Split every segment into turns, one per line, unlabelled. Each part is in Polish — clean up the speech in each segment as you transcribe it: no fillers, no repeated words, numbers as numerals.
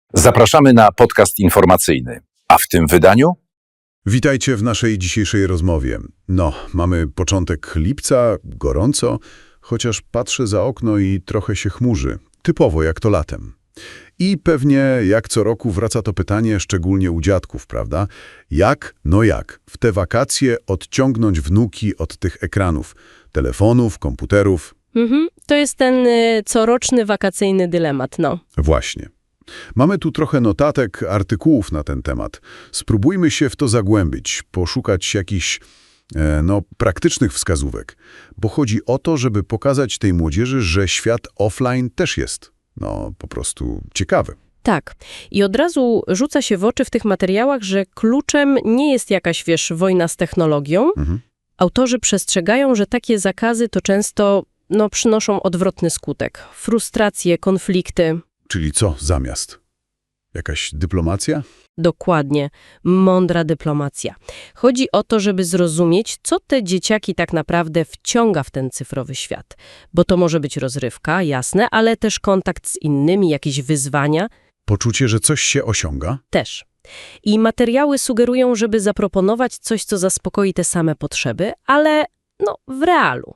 Zapraszamy na podcast informacyjny. A w tym wydaniu?
Witajcie w naszej dzisiejszej rozmowie. Mamy początek lipca, gorąco, chociaż patrzę za okno i trochę się chmurzy. Typowo jak to latem. I pewnie jak co roku wraca to pytanie, szczególnie u dziadków, prawda? Jak w te wakacje odciągnąć wnuki od tych ekranów, telefonów, komputerów?
To jest ten coroczny wakacyjny dylemat,
Właśnie. Mamy tu trochę notatek, artykułów na ten temat. Spróbujmy się w to zagłębić, poszukać jakichś praktycznych wskazówek, bo chodzi o to, żeby pokazać tej młodzieży, że świat offline też jest, po prostu ciekawy.
Tak. I od razu rzuca się w oczy w tych materiałach, że kluczem nie jest jakaś, wojna z technologią. Autorzy przestrzegają, że takie zakazy to często, przynoszą odwrotny skutek. Frustracje, konflikty.
Czyli co zamiast? Jakaś dyplomacja?
Dokładnie. Mądra dyplomacja. Chodzi o to, żeby zrozumieć, co te dzieciaki tak naprawdę wciąga w ten cyfrowy świat. Bo to może być rozrywka, jasne, ale też kontakt z innymi, jakieś wyzwania.
Poczucie, że coś się osiąga?
Też. I materiały sugerują, żeby zaproponować coś, co zaspokoi te same potrzeby, ale w realu.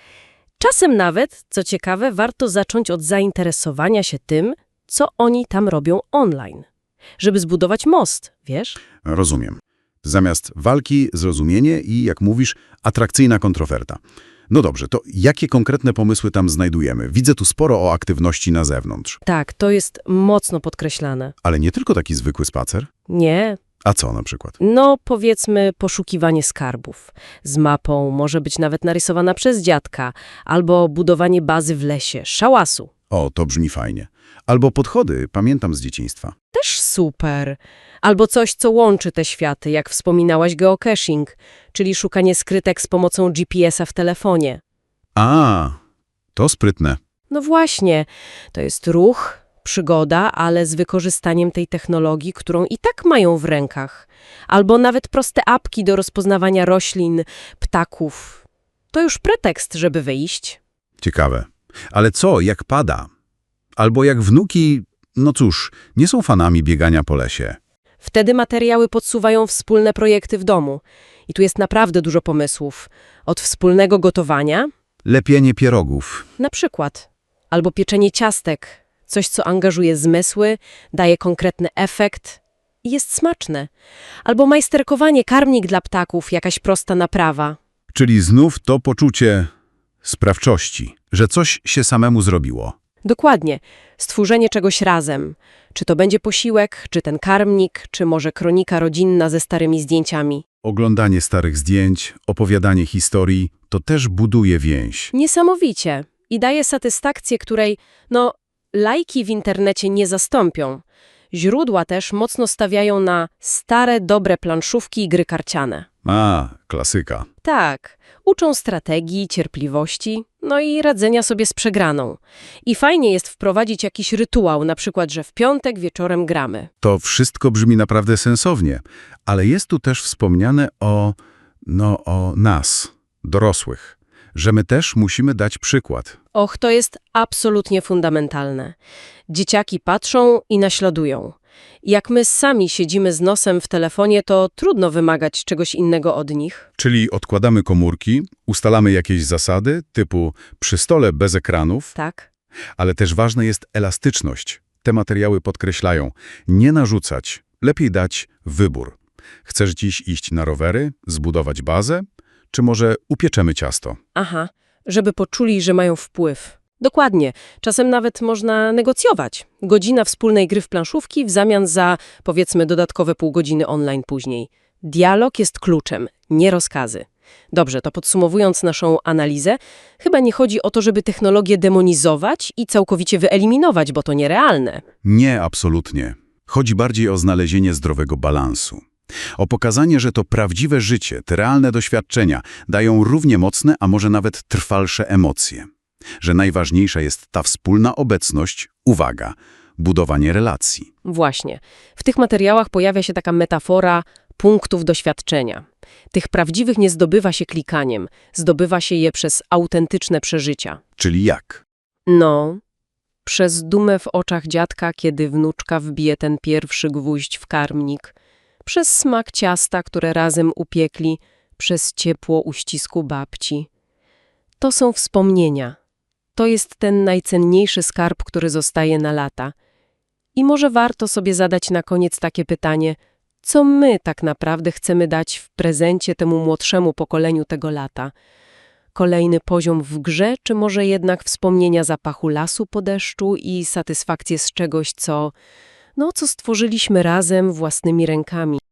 Czasem nawet, co ciekawe, warto zacząć od zainteresowania się tym, co oni tam robią online. Żeby zbudować most, wiesz?
Rozumiem. Zamiast walki, zrozumienie i, jak mówisz, atrakcyjna kontroferta. No dobrze, to jakie konkretne pomysły tam znajdujemy? Widzę tu sporo o aktywności na zewnątrz.
Tak, to jest mocno podkreślane.
Ale nie tylko taki zwykły spacer?
Nie.
A co na przykład?
Powiedzmy poszukiwanie skarbów. Z mapą, może być nawet narysowana przez dziadka, albo budowanie bazy w lesie, szałasu.
O, to brzmi fajnie. Albo podchody, pamiętam z dzieciństwa.
Też super. Albo coś, co łączy te światy, jak wspominałaś geocaching, czyli szukanie skrytek z pomocą GPS-a w telefonie.
A, to sprytne.
No właśnie, to jest ruch, przygoda, ale z wykorzystaniem tej technologii, którą i tak mają w rękach. Albo nawet proste apki do rozpoznawania roślin, ptaków. To już pretekst, żeby wyjść.
Ciekawe. Ale co, jak pada? Albo jak wnuki, nie są fanami biegania po lesie.
Wtedy materiały podsuwają wspólne projekty w domu. I tu jest naprawdę dużo pomysłów. Od wspólnego gotowania,
Lepienie pierogów.
na przykład, albo pieczenie ciastek. Coś, co angażuje zmysły, daje konkretny efekt i jest smaczne. Albo majsterkowanie, karmnik dla ptaków, jakaś prosta naprawa.
Czyli znów to poczucie sprawczości, że coś się samemu zrobiło.
Dokładnie. Stworzenie czegoś razem. Czy to będzie posiłek, czy ten karmnik, czy może kronika rodzinna ze starymi zdjęciami.
Oglądanie starych zdjęć, opowiadanie historii, to też buduje więź.
Niesamowicie. I daje satysfakcję, której, lajki w internecie nie zastąpią. Źródła też mocno stawiają na stare, dobre planszówki i gry karciane.
A, klasyka.
Tak, uczą strategii, cierpliwości, i radzenia sobie z przegraną. I fajnie jest wprowadzić jakiś rytuał, na przykład, że w piątek wieczorem gramy.
To wszystko brzmi naprawdę sensownie, ale jest tu też wspomniane o nas, dorosłych, że my też musimy dać przykład.
Och, to jest absolutnie fundamentalne. Dzieciaki patrzą i naśladują. Jak my sami siedzimy z nosem w telefonie, to trudno wymagać czegoś innego od nich.
Czyli odkładamy komórki, ustalamy jakieś zasady, typu przy stole bez ekranów,
Tak?
ale też ważna jest elastyczność. Te materiały podkreślają, nie narzucać, lepiej dać wybór. Chcesz dziś iść na rowery, zbudować bazę, czy może upieczemy ciasto?
Aha, żeby poczuli, że mają wpływ. Dokładnie. Czasem nawet można negocjować. Godzina wspólnej gry w planszówki w zamian za, powiedzmy, dodatkowe pół godziny online później. Dialog jest kluczem, nie rozkazy. Dobrze, to podsumowując naszą analizę, chyba nie chodzi o to, żeby technologię demonizować i całkowicie wyeliminować, bo to nierealne.
Nie, absolutnie. Chodzi bardziej o znalezienie zdrowego balansu. O pokazanie, że to prawdziwe życie, te realne doświadczenia dają równie mocne, a może nawet trwalsze emocje. Że najważniejsza jest ta wspólna obecność, uwaga, budowanie relacji.
Właśnie. W tych materiałach pojawia się taka metafora punktów doświadczenia. Tych prawdziwych nie zdobywa się klikaniem, zdobywa się je przez autentyczne przeżycia.
Czyli jak?
Przez dumę w oczach dziadka, kiedy wnuczka wbije ten pierwszy gwóźdź w karmnik, przez smak ciasta, które razem upiekli, przez ciepło uścisku babci. To są wspomnienia. To jest ten najcenniejszy skarb, który zostaje na lata. I może warto sobie zadać na koniec takie pytanie, co my tak naprawdę chcemy dać w prezencie temu młodszemu pokoleniu tego lata? Kolejny poziom w grze, czy może jednak wspomnienia zapachu lasu po deszczu i satysfakcję z czegoś, co stworzyliśmy razem własnymi rękami?